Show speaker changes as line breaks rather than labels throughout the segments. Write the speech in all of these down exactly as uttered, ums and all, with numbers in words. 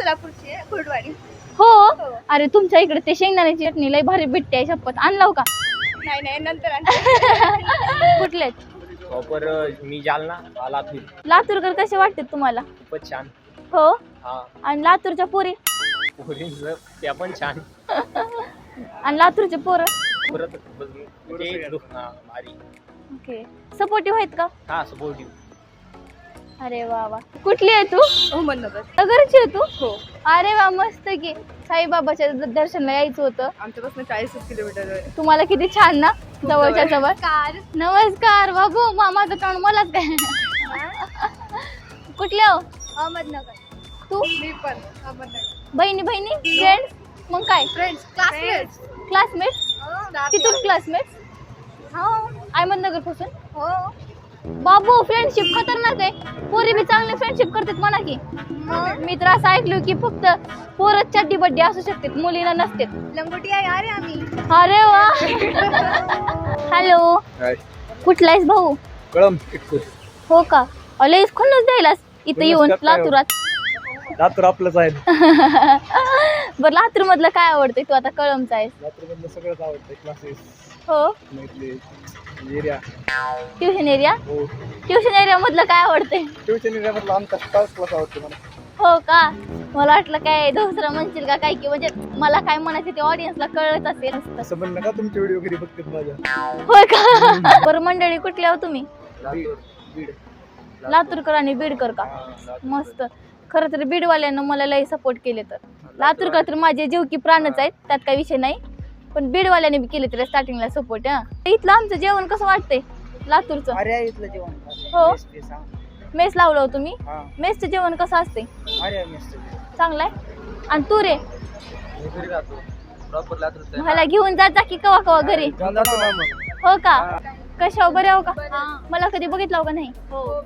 सोलापूरची आहे, कुर्डवाडी.
हो अरे तुमच्या इकडे ते शेंगदाण्याची चटणी लय भारी भेटते शपथ आणलाव का?
नाही नाही नंतर
कुठले
प्रॉपर मी जालना लातूर.
लातूरकर कसे वाटते तुम्हाला?
खूपच छान.
हो
हा
आणि लातूरच्या पोरी
पोरींचं त्या पण छान.
आणि लातूरचे पोरं
परत म्हणजे दु- हा, भारी.
ओके सपोर्टिव्ह आहेत का?
हा सपोर्टिव्ह.
अरे वा वा कुठली आहे तू?
अहमदनगर.
नगरची आहे तू?
हो.
अरे वा मस्त की साईबाबाच्या द- दर्शनाला यायचं होतं.
आमच्यापासून चाळीस किलोमीटर आहे.
तुम्हाला किती छान ना जवळच्या जवळ.
कार.
नमस्कार बाबू मामाचं तोंड मलाच काय. कुठले हो?
अहमदनगर.
तू?
मी पण अहमदनगर.
बहिणी बहिणी फ्रेंड्स मग काय
फ्रेंड्स क्लासमेट्स.
क्लासमेट्स तिथून क्लासमेट्स
हो
अहमदनगर पासून.
हो.
बाबू फ्रेंडशिप खतरनाक आहे. पोरी बी चांगली फ्रेंडशिप करतात म्हणा की. मी तर असं ऐकलो की फक्त पोरच चड्डी बड्डी असू शकते मुलीला नसते.
लंगोटी आहे यार आम्ही.
अरे वा. हॅलो कुठला आहेस भाऊ?
कळम.
हो का लईच खुन्नस द्यायलास इथं येऊन लातूरात.
लातूर आपलंच आहे.
बरं लातूर मधलं काय आवडतंय? तू आता कळमचा आहेस.
लातूर मधलं सगळंच आवडतं. क्लासेस
हो
एरिया.
Tuition area.
हो
ट्युशन एरिया मधलं काय आवडतंय?
ट्युशन एरिया मधला आमचा क्लास क्लास आवडतो मला.
हो का मला वाटलं काय दुसरं म्हणशील का काय की म्हणजे मला काय म्हणायचं ते ऑडियन्सला कळत असेल.
असं म्हण नका तुमचे व्हिडिओ घरी बघतात माझ्या.
होय का? बरं मंडळी कुठली आहो तुम्ही?
बीड.
लातूरकर आणि बीडकर का? मस्त. खरं तर बीडवाल्यांना मला लई सपोर्ट केले तर लातूरकर तर माझे जीव की प्राणच आहेत त्यात काही विषय नाही पण बीडवाल्याने बी केले तर स्टार्टिंगला सपोर्ट. हा इथलं आमचं जेवण कसं वाटतंय लातूरचं?
अरे इथलं जेवण.
हो
मेस
मेस लावलं हो तुम्ही.
हा
मेसचं जेवण कसं असते?
अरे मेस
चांगलं आहे. आणि तू रे
घरी राहतो प्रॉपर लातूर.
मला घेऊन जात जा की कवा कवा घरी. हो का कशावर बरे हो का? मला कधी बघितलं का नाही?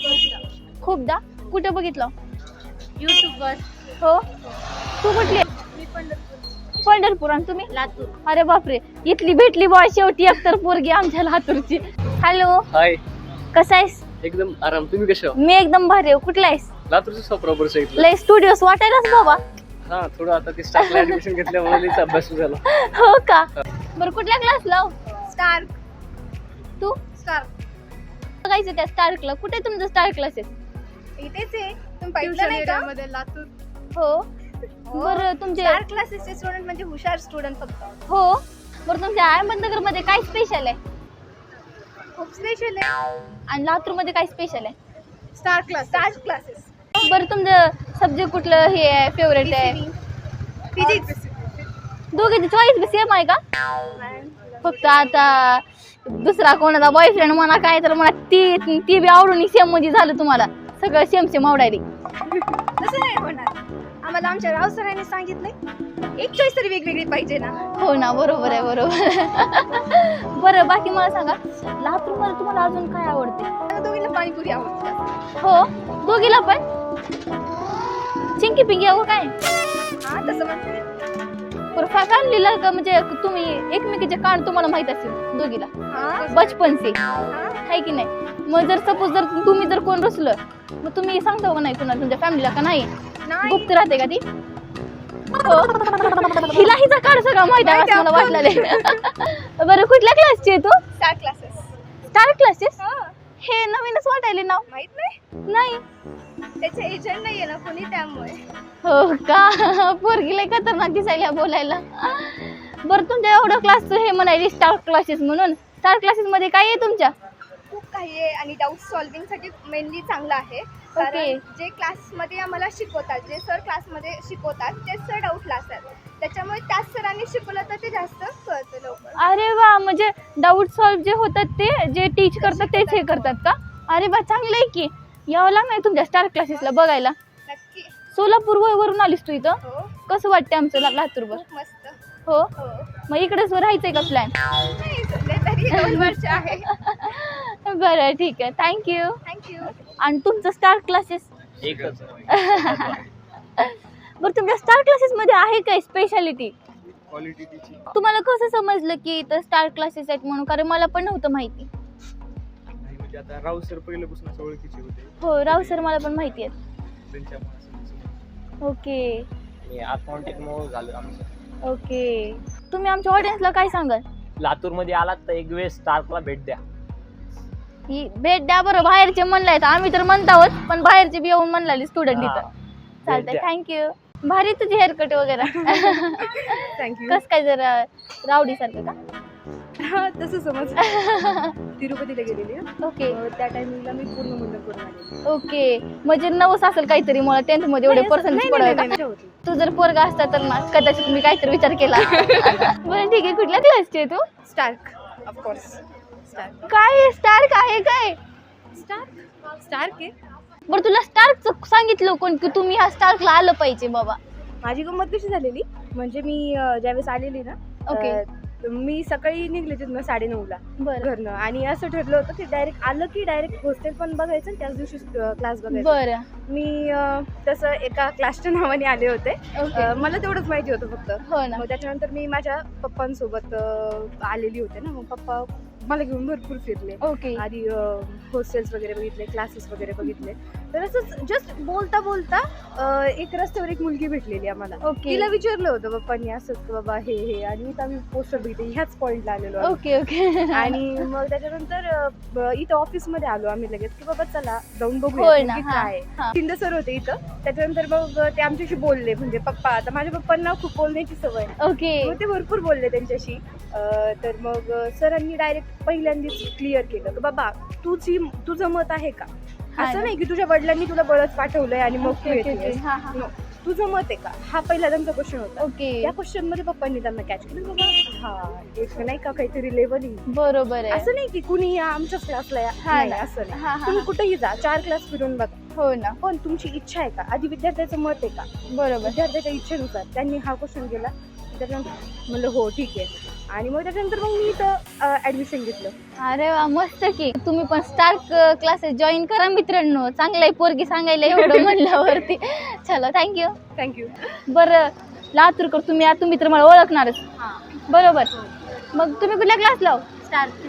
खूपदा. कुठं बघितलं?
युट्यूब वर.
हो तू कुठली?
मी पंढरपूर.
पंढरपूर. आणि तुम्ही?
लातूर.
अरे बापरे इथली भेटली बॉय शेवटी एकतर पोरगी आमच्या लातूरची. हॅलो
हाय
कसा आहेस?
एकदम आराम. तुम्ही कसे आहात?
मी एकदम भारी. कुठला आहेस?
लातूरचं प्रॉपर साईड.
लय स्टुडिओस वाटायलाच बाबा.
हा थोडं आता ते स्टाफला ऍडमिशन घेतल्यामुळे लईच अभ्यास झाला.
हो का बरं कुठल्या क्लास लाव?
स्टार.
तू
स्टार.
बघायचं त्या स्टार क्लब. कुठे आहे तुमचं स्टार क्लासेस?
इथेच आहे. तुम्ही पाहिलं नाही का? मध्ये लातूर.
हो बरं तुमचे
स्टार क्लासेसचे स्टुडंट म्हणजे हुशार स्टुडंट फक्त.
हो बरं तुमच्या अहमदनगर मध्ये काय स्पेशल आहे?
खूप स्पेशल आहे.
आणि लातूर मध्ये काय स्पेशल आहे?
Star class. Star classes.
बरं तुमचं सब्जेक्ट कुठलं हे आहे फेवरेट आहे?
फिजिक्स.
दोघीची चॉईस बी सेम आहे का? फक्त आता दुसरा कोणाचा बॉयफ्रेंड म्हणा काय तर म्हणा ती ती बी आवडून सेम म्हणजे झालं तुम्हाला सगळं सेम सेम आवडायली.
तसं नाही होणार. आम्हाला आमच्या राव सरांनी सांगितलंय एक चॉईस तरी वेगवेगळी पाहिजे ना.
हो ना बरोबर आहे बरोबर. बरं बाकी मला सांगा लातूर मध्ये तुम्हाला अजून काय आवडते?
मला दोघींना पाणीपुरी आवडते.
हो दोघीला पण चिंकी पिंकी अगो काय?
हा तसं म्हणते.
फॅमिलीला का म्हणजे तुम्ही एकमेकीचे कान तुम्हाला माहित असेल दोघीला
हा
बचपन से
हा.
आहे की नाही? मग जर सपोज जर तुम्ही जर कोण रसलं मग तुम्ही सांगता का नाही कुणाला तुमच्या फॅमिलीला का नाही?
नाही.
गुप्त राहते का ती? हो हिला हिचा काढ सगळं माहित आहे असं मला वाटलेलं आहे. बरं कुठल्या क्लासची आहे तू?
Star classes.
Star classes.
हा
हे नवीनच वाटायले नाव.
माहित नाही.
नाही
त्याचे एजंट नाहीये ना कोणी त्यामुळे.
हो का पोरगी लय खतरनाक दिसायला बोलायला. बरं तुमच्या एवढं क्लासचं हे म्हणायचे स्टार क्लासेस म्हणून. स्टार क्लासेस मध्ये काय आहे तुमच्या?
खूप काही आहे आणि डाऊट सॉल्विंग साठी मेनली चांगलं आहे. कारण जे क्लासमध्ये आम्हाला शिकवतात जे सर क्लासमध्ये शिकवतात तेच सर डाऊटला असतात. त्याच्यामुळे त्याच सरांनी शिकवलं तर ते जास्त कळतं लवकर.
अरे वा म्हणजे डाऊट सॉल्व जे होतात ते जे टीच करतात तेच हे करतात का? अरे बा चांगलं आहे की. यावं लागणार तुमच्या स्टार क्लासेसला बघायला.
नक्की.
सोलापूर वरून आलीस तू इथं?
हो
कसं वाटतं आमचं लातूरवर?
खूप मस्त.
हो
हो
मग इकडेच राहायचंय का प्लॅन?
नाही सध्या तरी दोन वर्ष आहे.
बरं ठीक आहे थँक्यू.
थँक्यू.
आणि तुमचं स्टार क्लासेस?
एकच.
बरं तुमच्या स्टार क्लासेस मध्ये आहे काय स्पेशालिटी?
Quality teaching.
तुम्हाला कसं समजलं की इथं स्टार क्लासेस आहेत म्हणून? कारण मला पण नव्हतं माहिती.
म्हणजे आता राव सर पहिल्यापासून ओळखीचे होते.
हो राव सर मला पण माहिती आहे.
त्यांच्या
ओके
मी अकाउंटिंग मग झालं आमचं.
ओके, तुम्ही आमच्या ऑडियन्सला काय सांगाल?
लातूरमध्ये आलात तर एक वेळेस स्टार्कला भेट द्या.
ही भेट द्या बरं, बाहेरचे म्हणलाय आम्ही तर म्हणत आहोत, पण बाहेरचे बी येऊन म्हणलाले स्टुडंट इथं. चालतंय, थँक्यू. भारी तुझी हेअरकट वगैरे.
थँक्यू.
कस काय जरा रावडी सारखं का?
हा तसं समज. तिरुपतीला गेलेली हं.
ओके
अं, त्या टायमिंगला मी पूर्ण मुलं करून आलेली.
ओके, म्हणजे नवस असेल काहीतरी, मला टेन्थ मध्ये एवढे पर्सेंटेज
नाही,
पडावे
नाही,
का?
नाही, होती.
तू जर पोरगा असता तर ना कदाचित मी काहीतरी विचार केला. बरं ठीक आहे, कुठल्या क्लासची आहे तू?
Stark of course. स्टार्क
काय स्टार्क आहे काय?
स्टार्क स्टार्क आहे.
बरं तुला स्टार्कचं सांगितलं कोण की तुम्ही ह्या स्टार्कला आलं पाहिजे बाबा?
माझी गंमत कशी झालेली म्हणजे मी अं, ज्यावेळेस आलेली ना
ओके.
अं, मी सकाळी निघले तिथनं साडे नऊला
बरं
घरनं आणि असं ठरलं होतं की डायरेक्ट आलं की डायरेक्ट हॉस्टेल पण बघायचं आणि त्याच दिवशी क्लास बघायचा.
बरं.
मी अं, तसं एका क्लासच्या नावाने आले होते.
ओके.
अं, मला तेवढंच माहिती होतं फक्त.
हो ना.
मग त्याच्यानंतर मी माझ्या पप्पांसोबत अं, आलेली होते ना, मग पप्पा मला घेऊन भरपूर फिरले.
ओके.
आधी हॉस्टेल्स वगैरे बघितले, क्लासेस वगैरे बघितले. तर असंच जस्ट बोलता बोलता अं, एक रस्त्यावर एक मुलगी भेटलेली आम्हाला.
ओके.
तिला विचारलं होतं पप्पांनी असंच की बाबा हे हे आणि इथं आम्ही पोस्टर बघितले, ह्याच पॉईंटला आलेलो आम्ही.
Okay okay.
आणि मग त्याच्यानंतर अं, ब- इथं ऑफिसमध्ये आलो आम्ही लगेच की बाबा चला जाऊन
होय
बघूया
ना,
की
हा,
काय
हा.
शिंदे सर होते इथं. त्याच्यानंतर मग ते आमच्याशी बोलले म्हणजे पप्पा. आता माझ्या पप्पांना खूप बोलण्याची सवय आहे.
ओके.
मग ते भरपूर बोलले त्यांच्याशी. अं, तर मग सरांनी डायरेक्ट पहिल्यांदाच क्लिअर केलं की बाबा तुझी तुझं मत आहे का?
हा
असं
ना.
नाही की तुझ्या वडिलांनी तुला बळच पाठवलंय आणि मग तू
ओके, ओके,
येतेस.
ओके. हा, हा.
No. तुझं मत आहे का? हा पहिला त्यांचा क्वेश्चन होता.
ओके.
त्या क्वेश्चन मध्ये पप्पांनी त्यांना कॅच केलं बाबा हा एक नाही का काहीतरी लेवलिंग.
बरोबर आहे.
असं नाही की कुणी या आमच्याच क्लासला या.
हा
नाही,
ना.
असं नाही.
हा, हा,
तुम्ही
हा.
कुठेही जा, चार क्लास फिरून बघा,
हो ना.
पण तुमची इच्छा आहे का? आधी विद्यार्थ्याचं मत आहे का?
बरोबर.
विद्यार्थ्याच्या इच्छेनुसार त्यांनी हा क्वेश्चन केला. त्याच्यानंतर म्हणलं हो ठीक आहे. आणि मग त्याच्यानंतर मग मी इथं ऍडमिशन घेतलं.
अरे वा, मस्त की. तुम्ही पण स्टार्क क्लासेस जॉईन करा मित्रांनो. चांगलं आहे, पोरगी सांगायला एवढं म्हणल्यावरती. चलो, थँक्यू.
थँक्यू.
बरं लातूरकर तुम्ही आता तुम्ही तर मला ओळखणारच. बरोबर. मग तुम्ही कुठल्या क्लासला?
स्टार्क.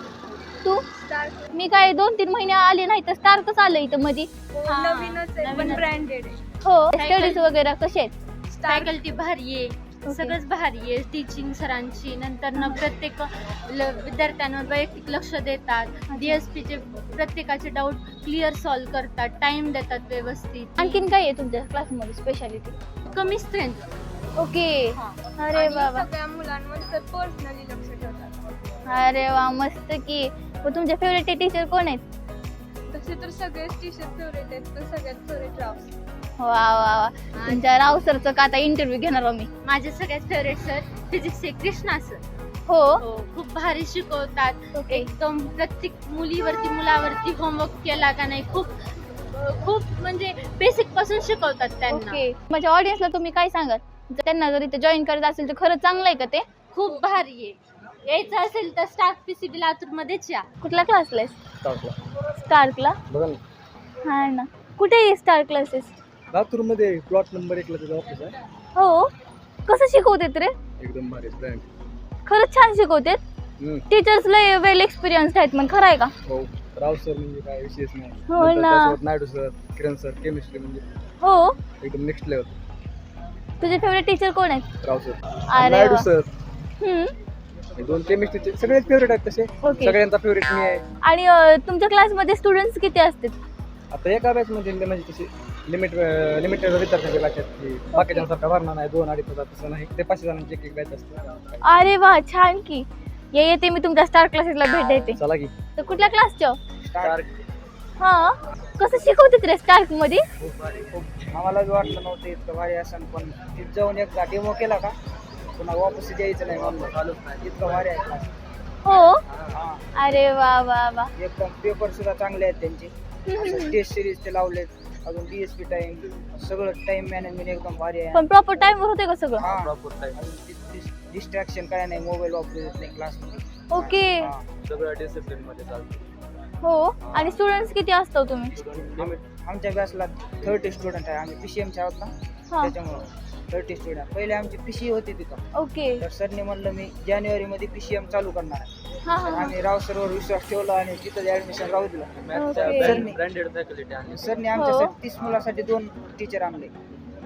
तू? मी काय दोन तीन महिने आले नाही तर स्टार्कच आलं इथं मध्ये.
नवीनच आहे पण ब्रँडेड आहे.
हो. स्टडीज वगैरे कसे आहेत?
फॅकल्टी भारी आहे, सगळंच भारी आहे. टीचिंग सरांची नंतर न प्रत्येक ल- विद्यार्थ्यांवर वैयक्तिक लक्ष देतात. डीएसपीचे प्रत्येकाचे डाऊट क्लिअर सॉल्व्ह करतात, टाइम देतात व्यवस्थित.
आणखीन काय आहे तुमच्या क्लासमध्ये स्पेशालिटी?
कमी स्ट्रेंथ.
ओके. अरे
आणि
वा वा.
सगळ्या मुलांमध्ये तर पर्सनली लक्ष ठेवतात.
अरे वा, मस्त की. मग तुमचे फेवरेट टीचर कोण आहेत?
तसे तर सगळेच टीचर फेवरेट आहेत पण सगळ्यात फेवरेट राव.
वा वा वा. तुमच्या राव सरचं का आता इंटरव्ह्यू घेणार आम्ही.
माझे सगळ्यात फेवरेट सर फिजिक्सचे कृष्णा सर.
हो.
खूप भारी शिकवतात.
ओके.
एकदम प्रत्येक मुलीवरती मुलावरती होमवर्क केला का नाही खूप खूप म्हणजे बेसिक पासून शिकवतात त्यांना.
ओके. माझ्या ऑडियन्सला तुम्ही काय सांगाल? जर त्यांना जर इथे जॉईन करायचं असेल तर खरंच चांगलं आहे का ते?
खूप भारी आहे. यायचं असेल तर स्टार्क पीसीबी लातूर मध्येच या.
कुठल्या क्लासला आहे?
स्टार्कला
स्टार्कला?
बघा ना.
हा ना. कुठे आहे स्टार क्लासेस?
लातूरमध्ये प्लॉट नंबर एकला त्याचा ऑफिस आहे.
हो. कसं शिकवतात रे?
एकदम भारी ब्रँड.
खरंच छान शिकवतात. टीचर्स लय वेल एक्सपिरियन्स आहेत. मग खरं आहे का?
हो. राव सर म्हणजे काय विशेष नाही.
हो
नंतर
ना.
त्यासोबत Naidu sir, Kiran sir, chemistry म्हणजे
हो.
एकदम नेक्स्ट लेवल.
तुझे फेवरेट टीचर कोण आहेत?
राव सर,
अरे
नायडू
वा.
सर,
हम्म.
हे दोन केमिस्ट्रीचे सगळेच फेवरेट आहेत तसे.
ओके.
सगळ्यांचा फेवरेट मी आहे.
आणि अं, तुमच्या क्लासमध्ये स्टुडंट्स किती असतात?
आता एका बॅच मध्ये म्हणजे तशी लिमिट लिमिटेड विद्यार्थ्यांचे बॅच आहेत की बाकीच्यांसारखा भरणार नाही. दोन अडीच हजार तसं नाही. ते पाचशे जणांची एक एक बॅच असते.
अरे वा, छान की. ये येते मी तुमच्या स्टार क्लासेसला भेट देते.
चला की.
तर कुठल्या क्लासच्या?
स्टार्क.
हा. कसं शिकवतात रे स्टार्क मध्ये?
खूप भारी. खूप आम्हाला बी वाटलं नव्हतं इतकं भारी असं, पण तिथं जाऊन एकदा डेमो केला का पुन्हा वापस यायचं नाही म्हणलं. इतकं भारी आहे class.
हो.
हा.
अरे वा वा वा.
एकदम पेपर सुद्धा चांगले आहेत त्यांचे. असं टेस्ट सिरीज ते लावलेत. अजून डीएसपी टाइम सगळं टाइम मॅनेजमेंट एकदम भारी आहे.
पण प्रॉपर टाइम वर होते का सगळं?
हा. डिस्ट्रॅक्शन काय नाही, मोबाईल वापरू देत नाही क्लासमध्ये.
ओके.
सगळं डिसिप्लिन मध्ये चालतं.
हो. आणि स्टुडंट्स किती असतो तुम्ही?
आमच्या बॅचला थर्टी स्टुडंट आहे. आम्ही पीसीएमचे आहोत ना,
हा.
त्याच्यामुळं थर्टी स्टुडंट. पहिले आमची पीसी होती तिथं.
ओके.
तर सरने म्हणलं मी जानेवारी मध्ये पीसीएम चालू करणार आहे.
हा हा.
आम्ही राव सरवर विश्वास ठेवला आणि तिथं ऍडमिशन राहू दिलं.
ओके.
सर-
ब्रँडेड फॅकल्टी आणि
सरने
हो.
आमच्यासाठी तीस मुलासाठी दोन टीचर आणले.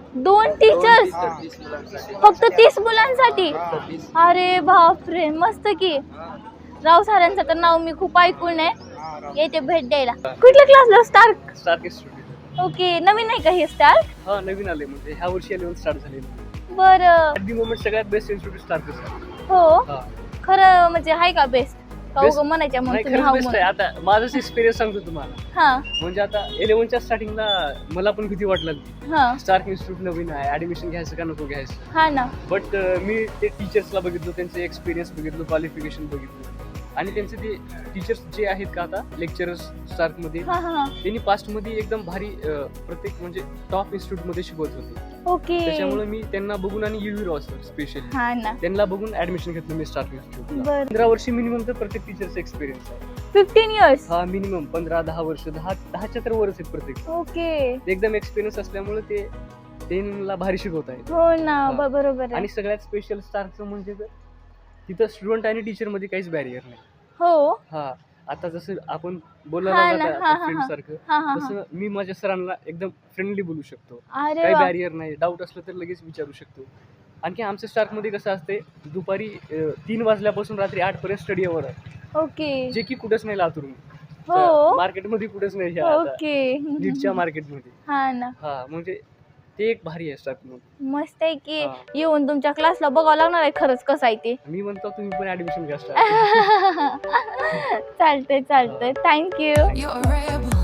दोन टीचर्स
तीस मुलांसाठी
फक्त तीस मुलांसाठी? अरे बापरे, मस्त की. राव सरांचं तर नाव मी खूप ऐकून आहे, येते भेट द्यायला. कुठल्या क्लासला? स्टार्क.
Stark institute.
ओके, नवीन आहे का हे स्टार्क?
हा नवीन आले म्हणजे ह्या वर्षी इलेव्हन स्टार्ट झाले.
बरं.
ॲट दी मोमेंट सगळ्यात बेस्ट इन्स्टिट्यूट स्टार्कच आहे.
हो,
हा
खरं म्हणजे आहे का बेस्ट? का
Best-
उगं म्हणायच्या मग
नाही
तुम्ही
खरंच
हाव
बेस्ट आहे.
म्हणून?
आता माझाच एक्सपिरियन्स सांगतो तुम्हाला.
हा
म्हणजे आता इलेव्हनच्या स्टार्टिंगला मला पण भीती वाटलं
हा
स्टार्क इन्स्टिट्यूट नवीन आहे, ऍडमिशन घ्यायचं का नको घ्यायचं.
हा ना.
बट मी ते टीचर्सला बघितलं, त्यांचे एक्सपिरियन्स बघितलं, क्वालिफिकेशन बघितलं आणि त्यांचे ते टीचर्स जे आहेत का आता लेक्चरर्स स्टार्कमध्ये,
हा हा हा.
त्यांनी पास्टमध्ये एकदम भारी अं, प्रत्येक म्हणजे टॉप इन्स्टिट्यूटमध्ये शिकवत होते.
ओके.
त्याच्यामुळे मी त्यांना बघून आणि युवी रॉस स्पेशली
हा ना.
त्यांना बघून ऍडमिशन घेतलं मी स्टार्क इन्स्टिट्यूटला.
बर.
पंधरा वर्ष मिनिमम तर प्रत्येक टीचरचा एक्सपिरियन्स आहे.
Fifteen years.
हा मिनिमम पंधरा दहा वर्ष दहा दहाच्या तर वरच आहेत प्रत्येक.
ओके.
ते एकदम एक्सपिरियन्स असल्यामुळे ते त्यांना भारी शिकवत आहेत.
हो ना,
हा.
ब- बरोबर आहे.
आणि सगळ्यात स्पेशल स्टारचं म्हणजे तर तिथं स्टुडंट आणि टीचर मध्ये काहीच बॅरियर नाही.
हो.
हा आता जसं आपण बोललो
हा ना, हा, हा,
फ्रेंड
हा.
सारखं
हा हा हा.
तसं मी माझ्या सरांना एकदम फ्रेंडली बोलू शकतो.
अरे
काही
वा.
बॅरियर नाही, डाऊट असलं तर लगेच विचारू शकतो. आणखी आमच्या स्टार्क मध्ये कसं असते, दुपारी अं, तीन वाजल्यापासून रात्री आठ पर्यंत स्टडी अवर आहे,
ओके.
जे की कुठेच नाही लातूर
हो.
मार्केटमध्ये कुठेच नाही ह्या आता
ओके.
लीडच्या मार्केटमध्ये.
हा ना,
हा म्हणजे ते एक भारी आहे स्टार्क मध्ये.
मस्त आहे की.
हा.
येऊन तुमच्या क्लासला बघावं लागणार आहे खरंच कसं आहे ते.
मी म्हणतो तुम्ही पण ऍडमिशन घ्या स्टार्क.
चालतंय चालतंय, थँक्यू.
You're a rebel.